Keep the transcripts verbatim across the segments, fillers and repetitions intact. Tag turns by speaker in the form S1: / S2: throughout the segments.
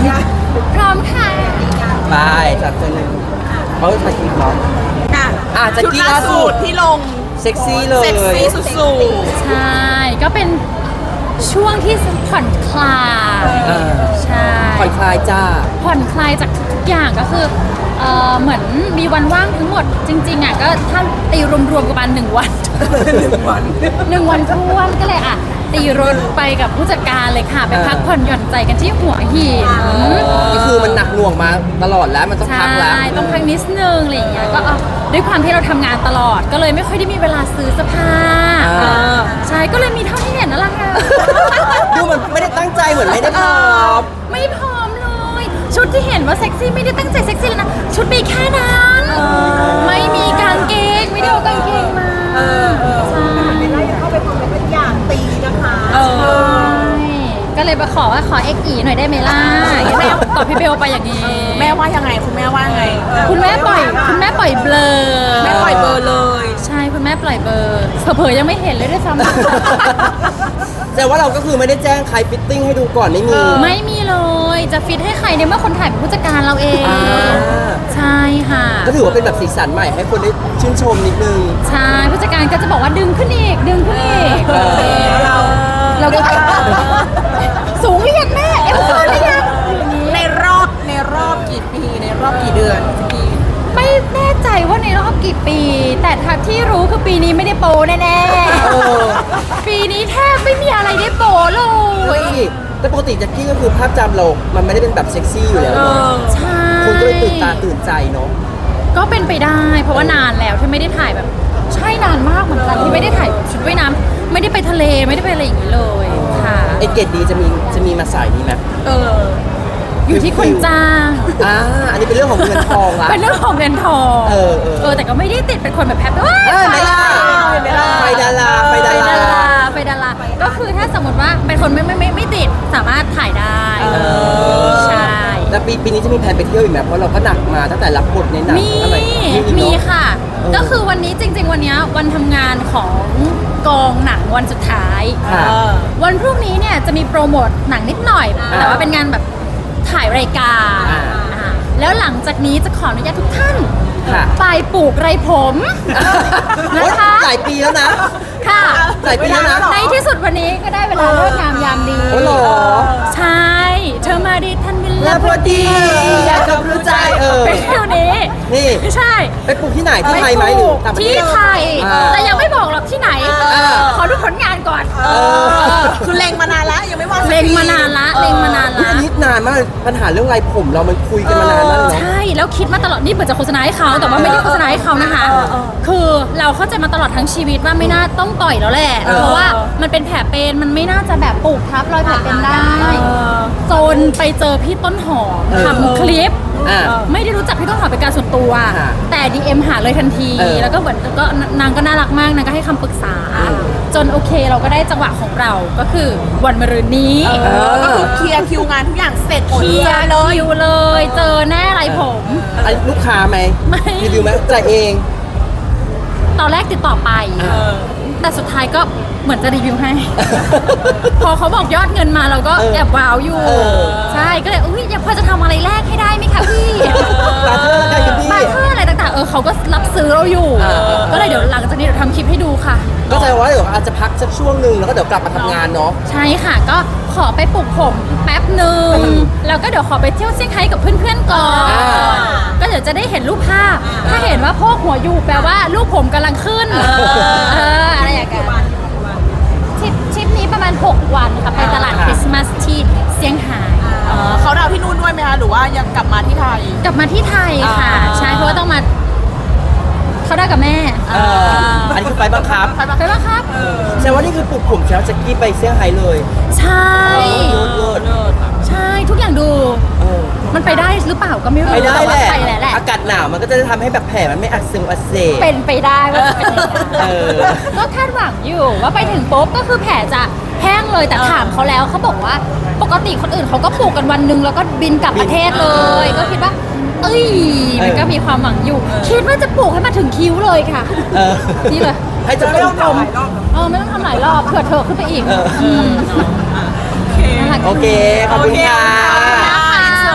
S1: พร้อมค่ะ
S2: ไปจัดเจอเลยเขาจะถ่ายคลิปเนาะ
S3: อ่ะ
S2: อ่ะแจ็คกี้
S3: ชุด
S2: ล่าสุด
S3: ที่ลง
S2: เซ็กซี่เลย
S3: เซ็กซี่สุด
S1: ใช่ ก็เป็นช่วงที่ผ่อนคลาย
S2: อ่า
S1: ใช่
S2: ผ่อนคลายจ้า
S1: ผ่อนคลายจากทุกๆอย่างก็คือเอ่อเหมือนมีวันว่างทั้งหมดจริงๆอ่ะก็ถ้าตีรวมๆกันมาหนึ่งวัน
S2: หนึ่งวัน
S1: หนึ่งวันท้วนก็เลยอ่ะตีรถไปกับผู้จัดการเลยค่ะ ไปพักผ่อนหย่อนใจกันที่หัวหิน
S2: ก็คือมันหนักหน่วงมาตลอดแล้วมันต้อง
S1: ใช่
S2: พักแล้ว
S1: ต้องพักนิดนึงอะไรอย่างเงี้ยก็เอาด้วยความที่เราทำงานตลอดก็เลยไม่ค่อยได้มีเวลาซื้อเสื้อผ้า
S2: อ่า
S1: ใช่ก็เลยมีเท่าที่เห็นนั่นแหละค่ะ
S2: ดูมันไม่ได้ตั้งใจเหมือนไม่ได้พร้อม
S1: ไม่พร้อมเลย ชุดที่เห็นว่าเซ็กซี่ไม่ได้ตั้งใจเซ็กซี่เลยนะ ชุดมีแค่นั้นไม่มีกางเกงไม่ได้เอากางเกงมาใช่
S3: ๆแล้วยังเข้าไปคอมเมนต์เป็นอย่างตีนะคะ
S1: ใช่ก็เลยมาขอว่าขอเอ็กอีหน่อยได้ไหมล่ะแม่ตอบพี่เบลไปอย่างนี้
S3: แม่ว่ายังไงคุณแม่ว่าไง
S1: คุณแม่ปล่อยคุณแม่ปล่อยเบลอ
S3: แม่ปล่อยเบอร์เลย
S1: ใช่คุณแม่ปล่อยเบอร์เผลอๆยังไม่เห็นเลยด้วยซ้ำ
S2: แต่ว่าเราก็คือไม่ได้แจ้งใครฟิตติ้งให้ดูก่อนไม่มี
S1: ไม่มีเลยจะฟิตให้ใครในเมื่อคนถ่ายเป็นผู้จัดการเราเอง
S2: อ่า
S1: ใช่ค่ะ
S2: ก็ถือว่าเป็นแบบสีสันใหม่ให้คนได้ชื่นชมนิดนึง
S1: ใช่ผู้จัดการก็จะบอกว่าดึงขึ้นอีกดึงขึ้นอีก
S2: เออ
S1: เราเราก็สูงหรือยังแม่เอวขึ้นหรือยัง
S3: ในรอบในรอบกี่ปีในรอบกี่เดือนกี่
S1: ไม่แน่ใจว่าในรอบกี่ปี แต่ทักที่รู้คือปีนี้ไม่ได้โปรแน่
S2: เออ
S1: ๆปีนี้แทบไม่มีอะไรได้โปรเล
S2: เฮ้
S1: ย
S2: ยแต่ปกติแจ็คกี้ก็คือภาพจำเรา มันไม่ได้เป็นแบบเซ็กซี่อยู่แล้วเนอะ
S1: ใช่
S2: คนก็เลยตื่นตาตื่นใจเนาะ
S1: ก็เป็นไปได้ เพราะว่านานแล้วที่ไม่ได้ถ่ายแบบ ใช่นานมากเหมือนกันที่ไม่ได้ถ่ายชุดว่ายน้ำไม่ได้ไปทะเลไม่ได้ไปอะไรอย่างนี้เลยค่ะ
S2: ไอเกตดีจะมีจะมีมาสายนี้ไหม
S3: เออ
S1: อยู่ที่คนจ้าง
S2: อ่าอันนี้เป็นเรื่องของเงินทองละ
S1: เป็นเรื่องของเงินทอง
S2: เออเออ
S1: เออแต่ก็ไม่ได้ติดเป็นคนแบบแฮปปี้ว้า
S2: เออไม่ได้
S3: ไม่ได้
S2: ไฟดาราไฟ
S1: ไป
S2: ดา
S1: ดา
S2: รา
S1: ราไปดาราก็คือถ้าสมมติว่าเป็นคนไม่ไม่ไม่ไม่ติดสามารถถ่ายได้ใช่
S2: แล้วปีปีนี้จะมีแผนไปเที่ยวอีกไหมเพราะเราก็หนักมาตั้งแต่รับบทในหนัง
S1: มี
S2: อะไรอีก
S1: มี
S2: เนอะ
S1: ค่ะ
S2: เออ
S1: ก็คือวันนี้จริง ๆ วันเนี้ยวันทำงานของกองหนังวันสุดท้าย
S2: ค่ะ
S1: วันพรุ่งนี้เนี่ยจะมีโปรโมทหนังนิดหน่อย
S2: อ่า
S1: แต่ว่าเป็นงานแบบถ่ายรายการ
S2: อ่า
S1: อ่าแล้วหลังจากนี้จะขออนุญาตทุกท่าน
S2: ค่ะ
S1: ไปปลูกไรผมนะคะ
S2: โอ๊ยหลายปีแล้วนะ
S1: ค่ะ
S2: หลายปีแล้วนะ
S1: ในที่สุดวันนี้ก็ได้เวลาเลิกงามยามดี
S2: โอ้เหรอ
S1: ใช่ เธอมาดีทันเว
S2: แล้
S1: ลาว
S2: พอดีอยากจะรู้ใจเออ
S1: เป็นเที่ยวนี้
S2: นี่
S1: ไม่ใช่
S2: ไปปลูกที่ไหนที่ไทยไหมหรือต่างประเท
S1: ที่
S2: ศ
S1: ไทย
S2: อ่า
S1: แต่ยังไม่บอกหรอกที่ไหน
S2: อ่า
S1: ขอดูผลงานก่อน
S2: เออ
S3: คือเล็งมานานแล้วยังไม่ว่างสัก
S1: เล็ง
S3: ที
S1: มานานละเล็งมานาน
S2: อุ๊ย
S1: ละ
S2: อันนี้นานมากปัญหาเรื่องไรผมเรามันคุยกันมานานมากเลยเนาะ
S1: ใช่แล้วคิดมาตลอดนี่เหมือนจะโฆษณาให้เขาแต่ว่าไม่ได้โฆษณาให้เขานะคะ คือเราเข้าใจมาตลอดทั้งชีวิตว่าไม่น่าต้องต่อยแล้วแหละ
S2: เออ
S1: เพราะว่ามันเป็นแผลเป็นมันไม่น่าจะแบบปลูกทับรอยแผลเป็นได้จนไปเจอพี่ต้นหอมทำคลิป
S2: อ่า
S1: ไม่ได้รู้จักพี่ต้นหอมเป็นการส่วนตัว
S2: ค่ะ
S1: แต่ ดี เอ็ม หาเลยทันที
S2: เออ
S1: แล้วก็เหมือนก็นางก็น่ารักมากนางก็ให้คำปรึกษา จนโอเคเราก็ได้จังหวะของเราก็คือวันมะรืนนี้
S3: เออก็คือเคลียร์คิวงานทุกอย่างเสร็จหมด
S1: เคลียร์คิวเลย เจอแน่ไรผม
S2: อันลูกค้าไหม
S1: ไม่
S2: รีวิวไหมจ่ายเอง
S1: ตอนแรกติดต่อไป แต่สุดท้ายก็เหมือนจะรีวิวให้ พอเขาบอกยอดเงินมาเราก็
S2: เออ
S1: แอบว้าวอยู่
S2: เออ
S1: ใช่ก็เลยอุ้ยยังพอจะทำอะไรแรกให้ได้ไหมคะพี่
S2: บาร์เทอร์ได้กันพี่
S1: บาร์เทอร์อะไรต่างๆเออเขาก็รับซื้อเราอยู่
S2: เออเออ
S1: ก็เลยเดี๋ยวหลังจากนี้เดี๋ยวทำคลิปให้ดูค่ะ
S2: ก็แสดงว่าเดี๋ยวอาจจะพักสักช่วงหนึ่งแล้วก็เดี๋ยวกลับมาทำงานเนาะ
S1: ใช่ค่ะก็ขอไปปลูกผมแป๊บหนึ่ง
S2: อืม
S1: แล้วก็เดี๋ยวขอไปเที่ยวเซี่ยงไฮ้กับเพื่อนๆก่อน
S2: อ่า
S1: ก็เดี๋ยวจะได้เห็นรูปภาพ ถ้าเห็นว่าโพกหัวอยู่แปลว่าลูกผมกำลังขึ้น เอออะไรอย่างเงี้ยทริปทริปนี้ประมาณ หก วันค่ะ ไปตลาดคริสต์มาสที่เซี่ยงไฮ้
S3: เออเขาดาวน์ที่นู่นด้วยไหมคะหรือว่ายังกลับมาที่ไทย
S1: กลับมาที่ไทยค่ะ
S3: อ่า
S1: ใช่เพราะว่าต้องมาเขาได้กับแม่
S2: เอออันนี้คือไฟบังคับ
S1: ไปป่ะครับ
S2: แสดงว่านี่คือปลุกผมเช้าแจ็คกี้ไปเซี่ยงไฮ้เลย
S1: ใช่
S2: เลิศเลิศ
S1: ใช่ทุกอย่างดู
S2: เออ
S1: มันไปได้หรือเปล่าก็ไม่รู้
S2: ไปได้
S1: แต่
S2: แห
S1: ว่า
S2: ละ
S1: ไปแหละแหละ
S2: อากาศหนาวมันก็จะทำให้แบบแผลมันไม่อักเสบอักเสบ
S1: เป็นไปได้ว่าจะเป็นอย่างนั้น
S2: เออ
S1: ก็คาดหวังอยู่ว่าไปถึงปุ๊บก็คือแผลจะแห้งเลยแต่ถามเขาแล้วเขาบอกว่าปกติคนอื่นเขาก็ปลูกกันวันหนึ่งแล้วก็บินกลับประเทศเลย ก็คิดว่า เอ้ยมันก็มีความหวังอยู่ คิดว่าจะปลูกให้มาถึงคิ้วเลยค่ะ
S2: เออ
S1: นี่เลย
S2: ให้จะเป็นผม
S1: เออไม่ต้องทำหลายรอบเผื่อเธอขึ้นไปอีก
S2: เออ
S1: มนั่นแหละ
S2: โอเค ขอบคุณค่ะ
S1: ขอบคุณค่ะ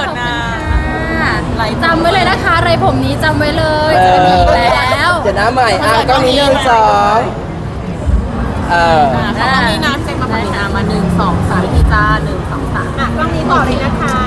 S1: ผมนี้จำไว้เลยจะไม่มีอีกแล้ว
S2: เดี๋ยวน้ำใหม่อ่ะก็มีหนึ่งสองเออ
S3: อ่ะขอบคุณนี่นะเจมมาฝั่งนี้นะมาหนึ่งสองสามพี่จ้าหนึ่งสองสาม
S4: อ่ะกล้องนี้ต่อเลยนะคะ